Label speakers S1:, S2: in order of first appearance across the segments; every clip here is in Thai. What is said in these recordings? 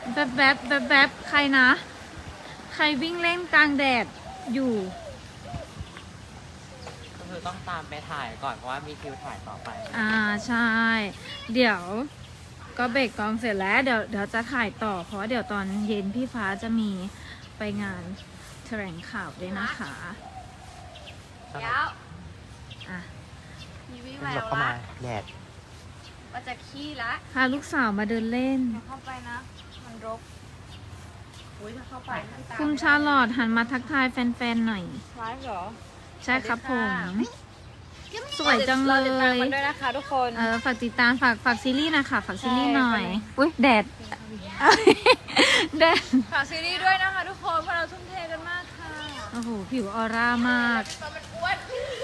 S1: แบบใครนะ ใครวิ่งเล่นกลางแดดอยู่
S2: ก็คือต้องตามไปถ่ายก่อนเพราะว่ามีคิวถ่ายต่อไป
S1: ใช่ เดี๋ยวก็เบรกกองเสร็จแล้ว เดี๋ยวจะถ่ายต่อ เพราะว่าเดี๋ยวตอนเย็นพี่ฟ้าจะมีไปงานแถลงข่าวด้วยนะคะ
S3: เดี๋ยว
S1: อ่ะ
S3: มีวิแว
S2: เป็นแบบ
S3: ว
S2: เข้ามา
S3: ละ
S2: แดด
S3: ว่าจะขี้ละ
S1: พาลูกสาวมาเดินเล่น
S3: เดี๋ยวเข้าไปนะ มันรกอุ้ยถ้าเข้าไปมันตาม
S1: คุณชาลอตหันมาทักทายแฟนๆหน่อย
S3: ไลฟ์เหรอ
S1: ใช่ครับผม
S3: ส
S1: สวยจังเล
S3: ติดตาม
S1: ย
S3: มันด้วยนะคะทุกคน
S1: ฝากติดตามฝากซีรีส์นะคะฝากซีรีส์หน่อย
S3: ใช่
S1: อุ้ยแดด แดด
S3: ฝากซีรีส์ด้วยนะคะทุกคนเพราะเราทุ่มเทกันมากค่ะ
S1: โอ้โห ผิวออร่ามาก
S3: ตอนมันอ้วน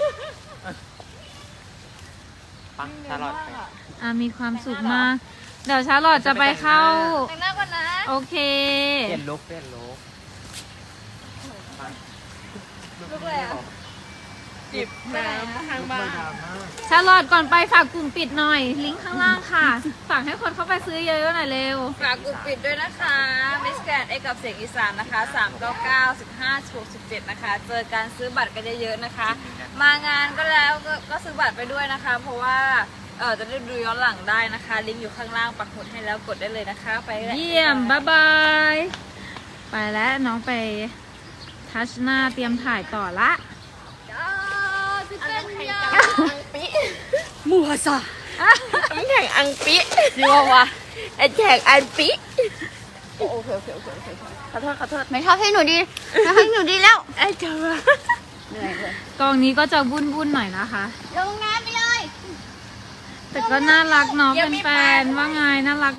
S2: ปักชาลอตไป
S1: มีความสุขมาก เดี๋ยวชาลอตจะไปเข้า
S3: แต่งหน้าก่อนนะ
S1: โอเค
S2: เปลี่ยนลุคเปลี่ยนลุค
S3: ลุกเลยอ่ะจิบน้ำทางบ้าน
S1: ชาลอตก่อนไปฝากกลุ่มปิดหน่อย ลิงก์ข้างล่างค่ะ ฝากให้คนเข้าไปซื้อเยอะๆหน่อยเร็ว
S3: ฝากกลุ่มปิดด้วยนะคะมิสแกรนเอกกับเสียงอีสานนะคะ399 15 67นะคะ เจอการซื้อบัตรกันเยอะๆนะคะ มางานก็แล้วก็ซื้อบัตรไปด้วยนะคะ เพราะว่าจะได้ดูย้อนหลังได้นะคะ ลิงก์อยู่ข้างล่างปักหมุดให้แล้วกดได้เลยนะคะ ไปล
S1: เยี่ยม บ๊ายบาย ไปแล้วน้องไปทัชหน้าเตรียมถ่ายต่อละ
S3: มัวซะน้ำแข็งอังปิสิวะวะไอแข็งอังปิโอเคขอโทษ
S4: ไม่ชอบให้หนูดีไม่ให้หนูดีแล้ว
S3: ไอเจ้า
S4: เหนื่อยเลย
S1: กองนี้ก็จะวุ่นๆหน่อยนะคะ
S4: ลงน้ำไปเลย
S1: แต่ก็น่ารักเนาะเป็นแฟนๆว่าไงน่ารัก